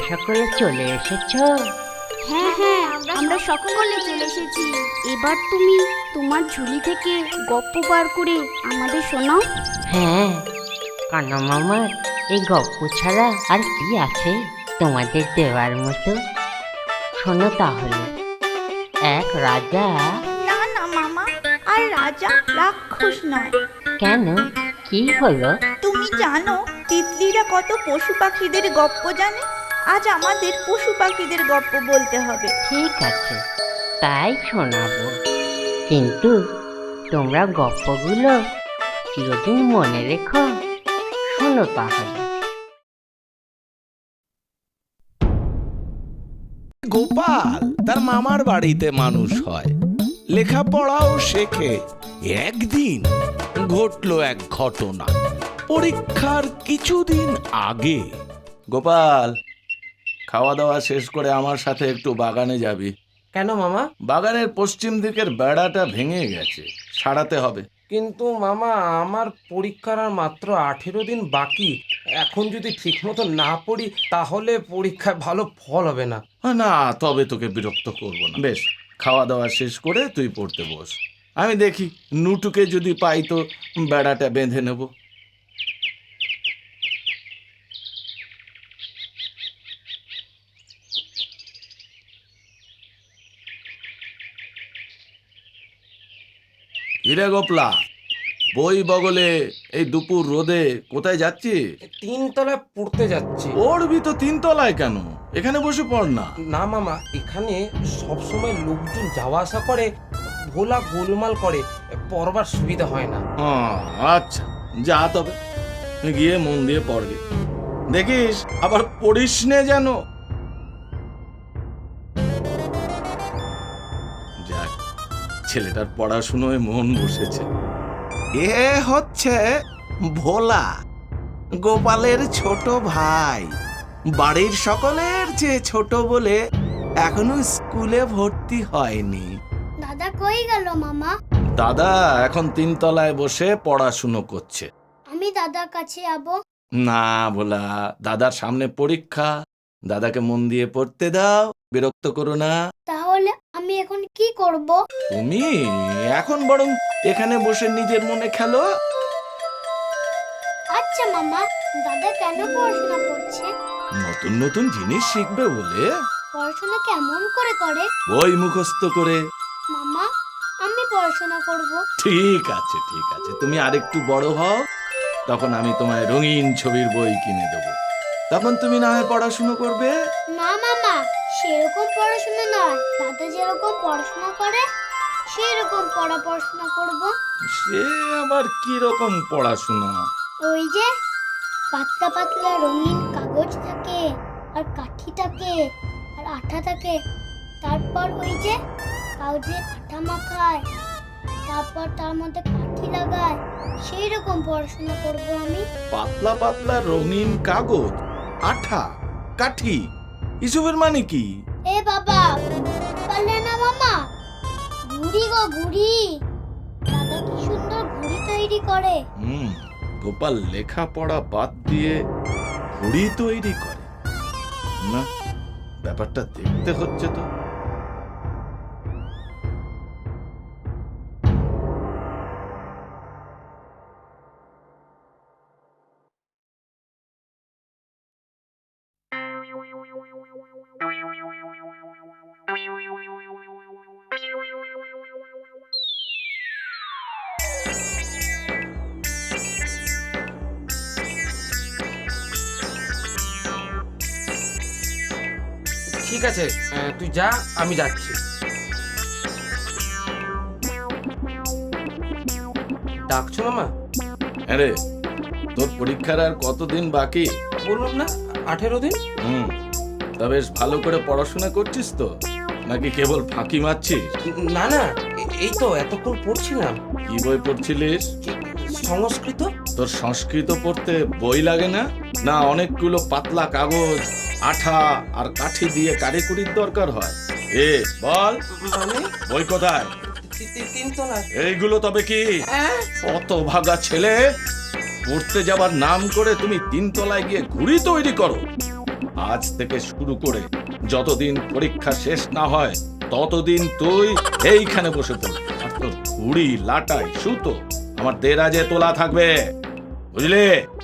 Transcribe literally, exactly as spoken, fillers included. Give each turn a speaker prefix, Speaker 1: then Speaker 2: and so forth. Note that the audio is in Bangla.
Speaker 1: সকলে চলে এসেছো?
Speaker 2: হ্যাঁ হ্যাঁ আমরা সকলে চলে এসেছি। এবার তুমি তোমার ঝুলি থেকে গপ্প বার করে আমাদের শোনাও।
Speaker 1: হ্যাঁ, কানা মামার এই গপ্প ছাড়া আর কি আছে তোমাদের দেওয়ার মতো? শোনো তাহলে। এক রাজা।
Speaker 3: না না মামা, আর রাজা রাক্ষস নয়।
Speaker 1: কেন, কি হলো?
Speaker 3: তুমি জানো তিতলিরা কত পশু পাখিদের গপ্প জানে? আজ আমাদের পশু পাখিদের গপ্প বলতে হবে।
Speaker 1: ঠিক আছে, তাই শোনাবো, কিন্তু তোমরা গপ্পগুলো চিরদিন মনে রেখো। শোনো তাহলে।
Speaker 4: গোপাল তার মামার বাড়িতে মানুষ হয়, লেখাপড়াও শেখে। একদিন ঘটলো এক ঘটনা। পরীক্ষার কিছুদিন আগে। গোপাল, খাওয়া দাওয়া শেষ করে আমার সাথে একটু বাগানে যাবি।
Speaker 5: কেন মামা?
Speaker 4: বাগানের পশ্চিম দিকের বেড়াটা ভেঙে গেছে, সারাতে হবে।
Speaker 5: কিন্তু মামা, আমার পরীক্ষার আর মাত্র আঠেরো দিন বাকি। এখন যদি ঠিক মতো না পড়ি তাহলে পরীক্ষায় ভালো ফল হবে না।
Speaker 4: না, তবে তোকে বিরক্ত করব না। বেশ, খাওয়া দাওয়া শেষ করে তুই পড়তে বস। আমি দেখি নুটুকে যদি পাই তো বেড়াটা বেঁধে নেব। হিরে গোপলা, বই বগলে এই দুপুর রোদে কোথায় যাচ্ছিস?
Speaker 5: তিনতলায় পড়তে যাচ্ছি।
Speaker 4: পড়বি তো তিনতলায় কেন? এখানে বসে পড় না।
Speaker 5: না মামা, এখানে সবসময় লোকজন যাওয়া আসা করে, ভোলা গোলমাল করে, পড়বার সুবিধা হয় না।
Speaker 4: হ্যাঁ, আচ্ছা, যা তবে, গিয়ে মন দিয়ে পড়বে। দেখিস আবার পড়িস নে যেন। যাক, ছেলেটার পড়াশুনোয় মন বসেছে। এ হচ্ছে ভোলা, গোপালের ছোট ভাই। বাড়ির সকলের চেয়ে ছোট বলে এখনো স্কুলে ভর্তি হয়নি।
Speaker 2: দাদা কই গেল মামা?
Speaker 4: দাদা এখন তিনতলায় বসে পড়াশুনো করছে।
Speaker 2: আমি দাদার কাছে যাবো।
Speaker 4: না ভোলা, দাদার সামনে পরীক্ষা, দাদাকে মন দিয়ে পড়তে দাও, বিরক্ত করো না।
Speaker 2: তাহলে আমি এখন কি করব?
Speaker 4: তুমি এখন বরং এখানে বসে নিজের মনে খেলো।
Speaker 2: আচ্ছা মামা, দাদা কেন পড়াশোনা করছে?
Speaker 4: নতুন নতুন জিনিস শিখবে বলে।
Speaker 2: পড়াশোনা কেমন করে করে?
Speaker 4: বই মুখস্থ করে।
Speaker 2: মামা, আমি পড়াশোনা করব।
Speaker 4: ঠিক আছে ঠিক আছে, তুমি আরেকটু বড় হও, তখন আমি তোমায় রঙিন ছবির বই কিনে দেবো, তখন তুমি না হয় পড়াশুনো করবে।
Speaker 2: না মামা, সেরকম পড়াশোনা নয়। দাদা যেরকম পড়াশোনা করে সেরকম পড়া পড়াশোনা করব।
Speaker 4: সে আবার কি রকম পড়াশোনা?
Speaker 2: ওই যে পাতলা পাতলা রঙিন কাগজ থাকে, আর কাঠি থাকে, আর আঠা থাকে, তারপর ওই যে কাগজে আঠা মাখায়, তারপর তার মধ্যে কাঠি লাগায়, সেই রকম পড়াশোনা করব আমি।
Speaker 4: পাতলা পাতলা রঙিন কাগজ, আঠা, কাঠি, এসবের মানে কি?
Speaker 2: এ বাবা, বুঝতে পারলে না মামা? ঘুড়ি গো ঘুড়ি। দাদা কি সুন্দর ঘুড়ি তৈরি করে।
Speaker 4: হুম, গোপাল লেখাপড়া বাদ দিয়ে ঘুড়ি তৈরি করে? না, ব্যাপারটা দেখতে হচ্ছে তো।
Speaker 5: ঠিক আছে, আহ, তুই যা, আমি যাচ্ছি। ডাকছো মামা?
Speaker 4: আরে, তোর পরীক্ষার আর কতদিন বাকি?
Speaker 5: বললাম না, আঠেরো দিন।
Speaker 4: হুম, তা বেশ ভালো করে পড়াশোনা করছিস তো, নাকি কেবল ফাঁকি মারছিস?
Speaker 5: না না, এ- এই তো এতক্ষণ পড়ছিলাম।
Speaker 4: কি বই পড়ছিলিস?
Speaker 5: সংস্কৃত।
Speaker 4: তোর সংস্কৃত পড়তে বই লাগে না? না অনেকগুলো পাতলা কাগজ, আঠা আর কাঠি দিয়ে কারিকুরির দরকার হয়? এ বল,
Speaker 5: মানে
Speaker 4: বই কোথায়?
Speaker 5: তি- তি- তিনতলায়।
Speaker 4: এইগুলো তবে কি?
Speaker 5: হ্যাঁ?
Speaker 4: কত ভাগা ছেলে, পড়তে যাবার নাম করে তুমি তিনতলায় গিয়ে ঘুড়ি তৈরি করো? আজ থেকে শুরু করে যতদিন পরীক্ষা শেষ না হয় ততদিন তুই এইখানে বসে পড়। আর তোর ঘুড়ি লাটাই সুতো আমার দেরাজে তোলা থাকবে, বুঝলি?